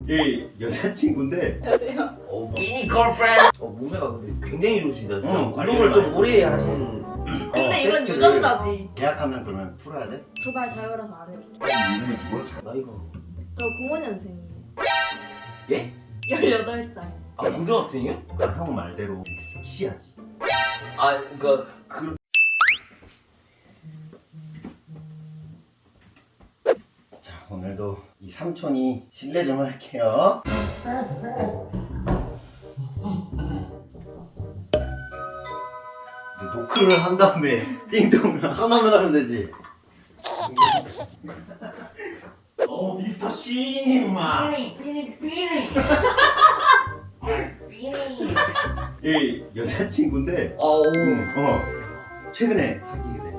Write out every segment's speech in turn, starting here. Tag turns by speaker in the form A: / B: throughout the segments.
A: 이 여자친구인데
B: 안녕하세요.
C: 미니 걸프렌드. 몸매가 근데 굉장히 좋으시다. 진짜. 운동을 좀 오래 하신.
B: 근데 이건
C: 세트를.
B: 유전자지.
A: 계약하면 그러면 풀어야 돼?
B: 두 발 자유라서 안 해도 돼.
A: 이름이 누구야?
C: 나이가.
B: 저 05년생이에요.
C: 예?
B: 18살.
C: 아 고등학생이요?
A: 형 말대로 섹시하지.
C: 아 그러니까 그.
A: 자, 오늘도 이 삼촌이 실례 좀 할게요. 노크를 한 다음에 띵동을 하나만 하면 되지. 미스터 시마. 이 여자친구인데 최근에 사귀게 돼.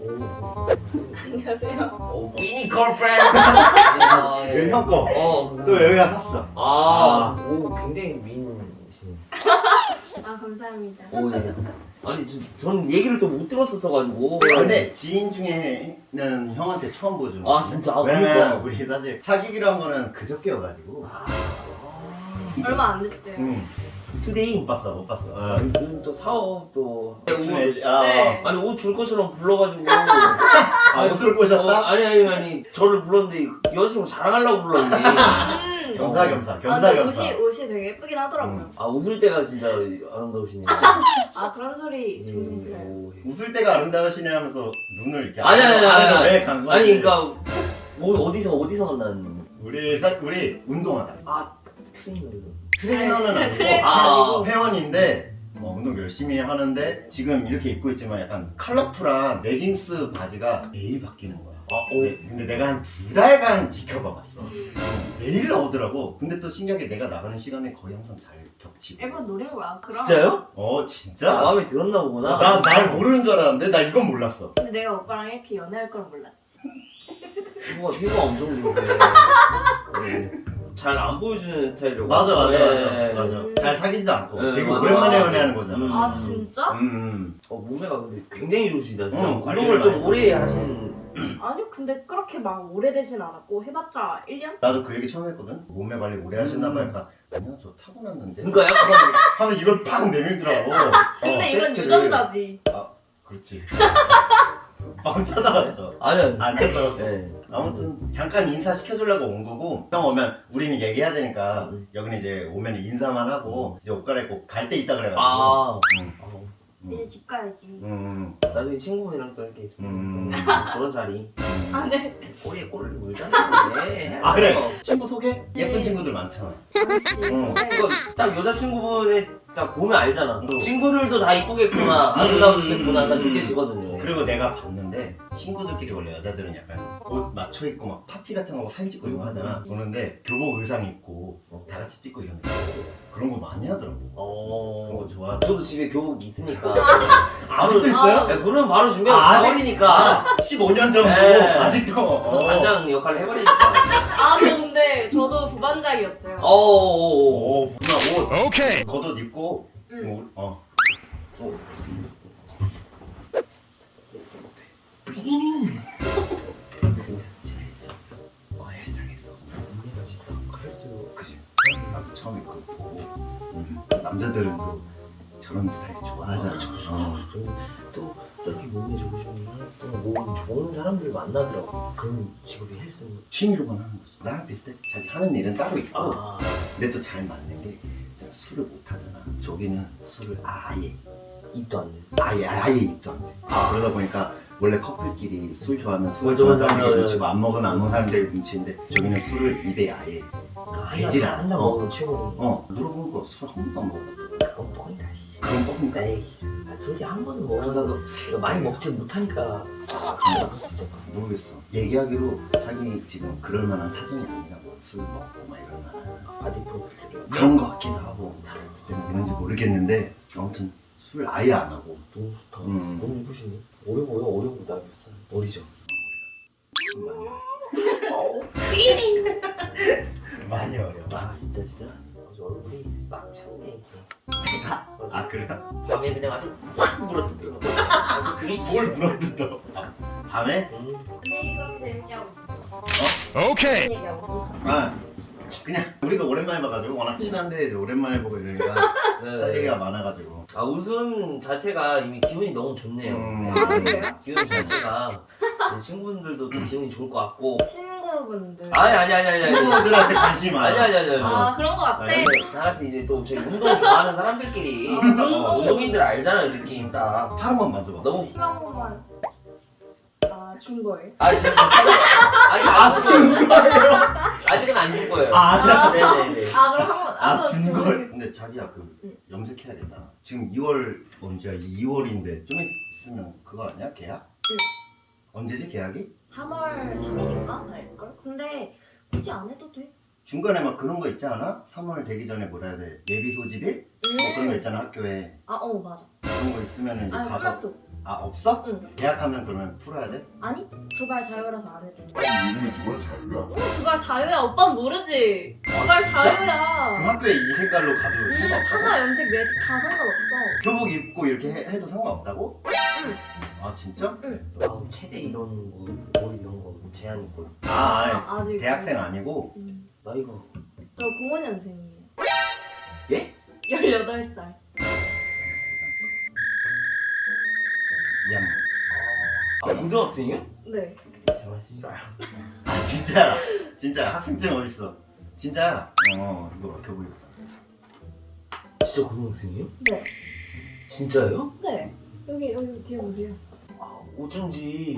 B: 안녕하세요.
C: 미니 걸프렌드. 아, 예.
A: 형 거.
C: 감사합니다.
A: 또 여기가 샀어.
C: 오 굉장히 미인이시네.
B: 아, 감사합니다.
C: 오 네. 아니 전 얘기를 또 못 들었었어가지고.
A: 근데 지인 중에는 형한테 처음 보죠.
C: 아 진짜. 아,
A: 왜냐면
C: 그러니까.
A: 우리 사실 사귀기로 한 거는 그저께여가지고.
B: 얼마 안 됐어요.
C: 투데이.
A: 못 봤어.
C: 요즘 또 사업 또.
A: 무슨 애?
B: 네.
C: 아니 옷 줄 것처럼 불러가지고.
A: 옷을 꼬셨다?
C: 아니 저를 불렀는데 여자친구 자랑하려고 불렀는데.
A: 겸사겸사.
B: 근데 옷이 되게 예쁘긴 하더라고요.
C: 아 웃을 때가 진짜 아름다우시네요.
B: 아, 그런 소리 종종 들어요.
C: 오.
A: 웃을 때가 아름다우시네 하면서 눈을 이렇게
C: 아니.
A: 왜간 거지?
C: 아니 그러니까 어디서 만난.
A: 우리 운동하다.
C: 아 트레이너로.
A: 트레이너는 아니고
B: 트레이너
C: 아니고.
A: 회원인데 운동 열심히 하는데 지금 이렇게 입고 있지만 약간 컬러풀한 레깅스 바지가 매일 바뀌는 거야. 근데 내가 한 2달간 지켜봐봤어. 매일 나오더라고. 근데 또 신기하게 내가 나가는 시간에 거의 항상 잘 겹치고.
B: 일부러 노린 거야. 그럼.
C: 진짜요?
A: 진짜?
C: 마음에 들었나 보구나.
A: 날 모르는 줄 알았는데 나 이건 몰랐어.
B: 근데 내가 오빠랑 이렇게 연애할 걸 몰랐지.
C: 피부가 엄청 좋으세요. 잘 안 보여주는 스타일이라고.
A: 맞아.
C: 네.
A: 잘 사귀지도 않고
C: 네,
A: 되게
C: 맞아.
A: 오랜만에 연애하는 거잖아.
B: 아, 진짜?
C: 몸매가 근데 굉장히 좋으시다. 진짜.
A: 관리를
C: 운동을 좀
A: 많이
C: 오래
A: 하고.
C: 하신.
B: 아니요, 근데 그렇게 막 오래되진 않았고 해봤자 1년?
A: 나도 그 얘기 처음 했거든. 몸매 관리 오래 하신다 보니까 아니야 저 타고났는데.
C: 그러니까 약간
A: 하면서 이걸 팍 내밀더라고.
B: 근데 이건
C: 세트를.
B: 유전자지.
A: 그렇지. 방 찾아왔죠.
C: 아니야.
A: 안 찾아왔어.
C: 네.
A: 아무튼 잠깐 인사 시켜주려고 온 거고 형 오면 우리는 얘기해야 되니까 여기는 이제 오면 인사만 하고 이제 옷 갈아입고 갈 때 있다 그래가지고.
C: 아.
B: 이제 집 가야지.
C: 나중에 친구분이랑 또 이렇게 있으면 그런 자리.
B: 아, 네.
C: 꼬리에 꼬리를 물잖아. 네.
A: 그래. 친구 소개? 예쁜 친구들 많잖아.
B: 그렇지.
C: 이거 딱 여자친구분의 딱 보면 알잖아.
A: 응.
C: 친구들도 다 이쁘겠구나, 아름다우시겠구나, 딱 느껴지거든요.
A: 그리고 내가 봤는데 친구들끼리 원래 여자들은 약간 옷 맞춰 입고 막 파티 같은 거 하고 사진 찍고 이런 거 하잖아. 보는데 교복 의상 입고 다 같이 찍고 이런 거 그런 거 많이 하더라고. 그런 거 좋아.
C: 저도 집에 교복 있으니까.
A: 아직도 있어요?
C: 네, 부르면 바로 준비하고
A: 아직?
C: 가버리니까.
A: 15년 전고
C: 네.
A: 아직도.
C: 반장 역할을 해버리니까.
B: 아, 저 근데 저도 부반장이었어요.
A: 누나 옷. 오케이. 겉옷 입고. 지금 그지. 나도 처음 입고 보고. 남자들은 또 저런 스타일 좋아하잖아.
C: 또 저렇게 몸에 좋으신 또몸 좋은 사람들 만나더라고. 그런 직업이 헬스.
A: 취미로만 하는 거지. 나랑 비슷해. 자기 하는 일은 따로 있고.
C: 아.
A: 근데 또 잘 맞는 게 제가 술을 못 하잖아. 저기는 술을 아예
C: 입도 안 돼.
A: 아예 입도 안 돼. 그러다 보니까 원래 커플끼리 술 좋아하면 술
C: 맞아,
A: 좋아하는
C: 맞아,
A: 사람들이
C: 맞아.
A: 뭉치고 안 먹으면 안 먹는 사람들이 뭉치는데 저기는 술을 입에 아예 대질 않아.
C: 한잔 먹으면 최고.
A: 물어보는 거 술 한 번도 안 먹어봤다.
C: 그건 뻥이다. 씨.
A: 그런 뻥인가?
C: 에이, 솔직히 한 번은 먹어서
A: 그래서
C: 이거 많이 먹지 못하니까. 진짜.
A: 모르겠어. 얘기하기로 자기 지금 그럴 만한 사정이 아니라고 술 먹고 막 이런 만한
C: 바디 프로필을.
A: 그런 거 같기도 하고 다이어트 때문에 그런지 모르겠는데 아무튼 술 아예 안 하고
C: 너무 좋다.
A: 음.
C: 너무 예쁘시네. 어려 보여. 어려 보다 몇 살? 어리죠?
A: 많이 어려.
C: 아 진짜. 아주 얼굴이 싹 찼네.
A: 아 그래요?
C: 밤에 그냥 아주 확 물어뜯더라고. 아주 그게
A: 뭘 물어뜯어? 밤에?
B: 근데 그렇게 재밌게 하고 있었어.
A: 오케이.
B: 얘기하고 있었어.
A: 그냥 우리도 오랜만에 봐가지고 워낙 친한데 이제 오랜만에 보고 이러니까 할 얘기가 많아가지고.
C: 아 웃음 자체가 이미 기분이 너무 좋네요. 네.
B: 아, 그래요?
C: 기분 자체가 이제 친구분들도 또 기분이 좋을 것 같고.
B: 친구분들.
C: 아니.
A: 친구들한테 관심이 많아.
C: 아니.
B: 아 그런 거 같아.
A: 아니,
C: 다 같이 이제 또 저희 운동 좋아하는 사람들끼리 운동인들 알잖아요 느낌 딱.
A: 팔 한번 만져봐.
C: 너무
B: 심한 번만. 준 거예요?
C: 아니 지금 아직은 아직은 안 준 거예요.
A: 아,
C: 네네네.
B: 그럼 한번
A: 준 걸. 근데 자기야 염색해야겠다. 지금 2월 언제야? 2월인데 좀 있으면 그거 아니야? 계약? 언제지 계약이?
B: 3월 3일인가 4일걸? 근데 굳이 안 해도 돼.
A: 중간에 막 그런 거 있지 않아? 3월 되기 전에 뭐라 해야 돼? 예비 소집일? 뭐 그런 거 있잖아 학교에.
B: 맞아.
A: 그런 거 있으면 이제 가서.
B: 끝났어.
A: 없어?
B: 응.
A: 계약하면 그러면 풀어야 돼?
B: 아니, 두 발 자유라서 안 해도 돼.
D: 이름이 두발 자유야?
B: 두 발 자유야. 오빠는 모르지. 두 발
A: 진짜?
B: 자유야.
A: 그럼 학교에 이 색깔로 가도 상관없다고?
B: 하나 염색 매직 다 상관없어.
A: 교복 입고 이렇게 해도 상관없다고?
B: 응.
A: 아 진짜?
C: 아 최대 이런 거 머리 이런 거 제한 있고.
B: 아직
A: 대학생 아니고?
C: 나이가
B: 저 05년생이에요.
C: 예?
B: 18살.
A: 미안.
C: 고등학생이요?
B: 네.
C: 제발 싫어요.
A: 아 진짜 학생증 어딨어? 진짜? 이거 봐 교복 입었다.
C: 진짜 고등학생이요?
B: 네.
C: 진짜요?
B: 네. 여기 뒤에 보세요.
C: 아 어쩐지.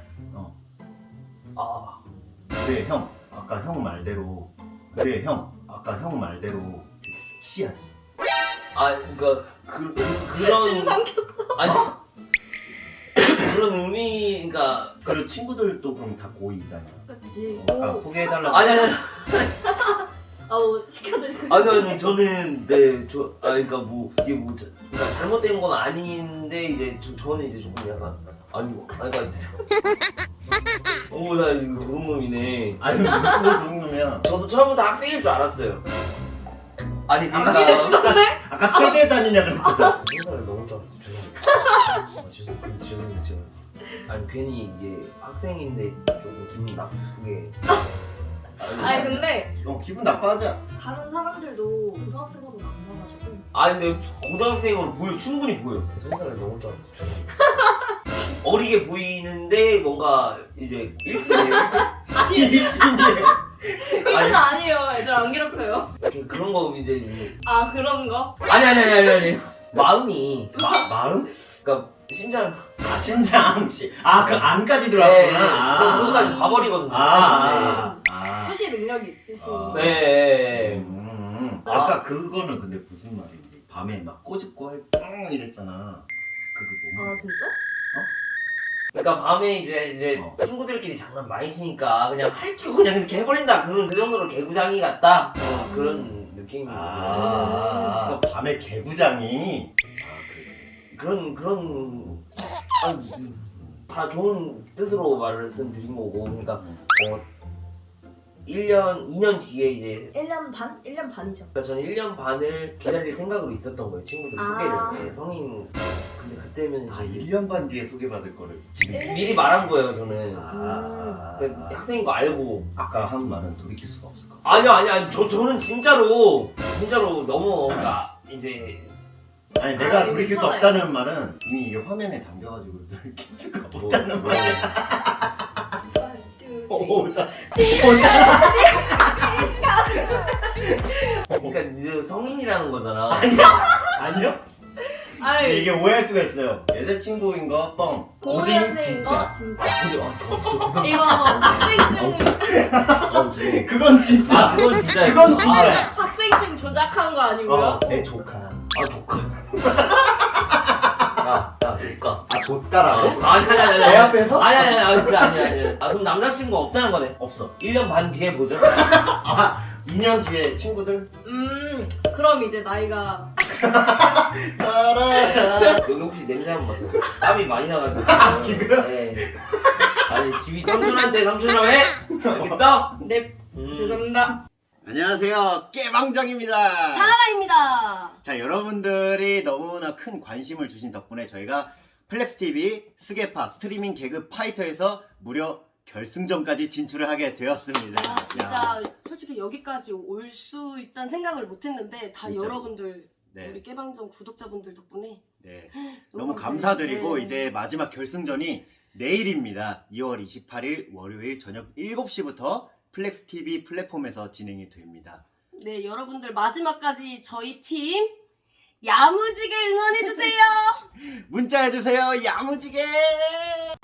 A: 근데 형 아까 형 말대로 되게 섹시하지?
C: 그러니까 그런
B: 침 삼켰어.
C: 아니 그런 의미 그러니까
A: 그리고 친구들도 그럼 다 고이잖아.
B: 그치.
A: 아까 소개해달라고.
C: 아니
B: 시켜드릴게요.
C: 아니 저는 그러니까 뭐 이게 뭐 그러니까 잘못된 건 아닌데 이제 저는 이제 조금 약간 그러니까 나 이거 도둑놈이네.
A: 아니 뭐 그런 놈이야.
C: 저도 처음부터 학생일 줄 알았어요. 아니
A: 아까 최대 다니냐 그랬잖아.
C: 생각을 너무 줄 알았어. 죄송합니다. 죄송해요. 제가 아니 괜히 이게 학생인데 조금 기분 나쁘게.
B: 아니 근데
A: 기분 나빠하지?
B: 다른 사람들도 고등학생으로 만나가지고.
C: 근데 고등학생으로 충분히 보여. 손살을 너무 줄 알았어. 죄송합니다. 어리게 보이는데 뭔가 이제 일진이에요.
A: 일진이에요.
B: 일진 아니에요. 애들 안 괴롭혀요.
C: 그런 거 이제
B: 그런 거?
C: 아니 마음이
A: 마음?
C: 그러니까 심장
A: 심장 그 안까지 들어왔구나.
C: 저 그거까지 봐버리거든요.
B: 수시 능력이 있으시니.
C: 네.
A: 아까 그거는 근데 무슨 말인지 밤에 막 꼬집고 이랬잖아. 그거 뭐?
B: 진짜?
C: 그러니까 밤에 이제 친구들끼리 장난 많이 치니까 그냥 할퀴고 그냥 이렇게 해버린다. 그 정도로 개구장이 같다. 그런 느낌이.
A: 밤에 개구장이.
C: 그래. 그런 다 좋은 뜻으로 말씀드린 거고, 그러니까 2년 뒤에 이제
B: 1년 반? 1년 반이죠.
C: 그러니까 저는 1년 반을 기다릴 생각으로 있었던 거예요. 친구들 소개를. 네, 성인. 근데 그때면 이제
A: 1년 반 뒤에 소개받을 거를 지금
C: 미리 말한 거예요, 저는.
B: 음.
C: 학생인 거 알고.
A: 아까 한 말은 돌이킬 수가 없을 것
C: 아니요. 저는 진짜로 너무 그러니까 이제
A: 내가 돌이킬 수
B: 괜찮아요.
A: 없다는 말은 이미 이게 화면에 담겨가지고 돌이킬 수가 없다는 말이야. 오자.
C: 그러니까 이제 성인이라는 거잖아.
A: 아니요? 근데 이게 오해할 수가 있어요. 여자친구인 거 뻥. 고딩
B: 5년생인
A: 진짜.
B: 거 진짜.
C: 진짜
B: 이거 학생증
A: 그건 진짜.
C: 그건 진짜.
A: 그건 진짜.
B: 학생증 조작한 거 아니고요?
A: 내 조카.
C: 조카. 야, 조카.
A: 조카라고?
C: 아니.
A: 내 앞에서?
C: 아니. 그럼 남자친구 없다는 거네.
A: 없어.
C: 1년 반 뒤에 보죠.
A: 2년 뒤에 친구들?
B: 그럼 이제 나이가
A: 따라라.
C: 여기 혹시 냄새 한번 맡아요. 땀이 많이 나가지고.
A: 지금?
C: 네. 아니 집이 삼촌이라고 해? 알겠어?
B: 네 죄송합니다.
A: 안녕하세요. 깨방정입니다.
B: 차나나입니다.
A: 자, 여러분들이 너무나 큰 관심을 주신 덕분에 저희가 플렉스TV 스게파 스트리밍 개그 파이터에서 무려 결승전까지 진출을 하게 되었습니다.
D: 아, 진짜 솔직히 여기까지 올 수 있다는 생각을 못했는데 다
A: 진짜로.
D: 여러분들
A: 네.
D: 우리 깨방정 구독자분들 덕분에
A: 네. 너무
D: 감사해요.
A: 감사드리고
D: 네.
A: 이제 마지막 결승전이 내일입니다. 2월 28일 월요일 저녁 7시부터 플렉스 TV 플랫폼에서 진행이 됩니다.
D: 네, 여러분들 마지막까지 저희 팀 야무지게 응원해주세요.
A: 문자 해주세요. 야무지게.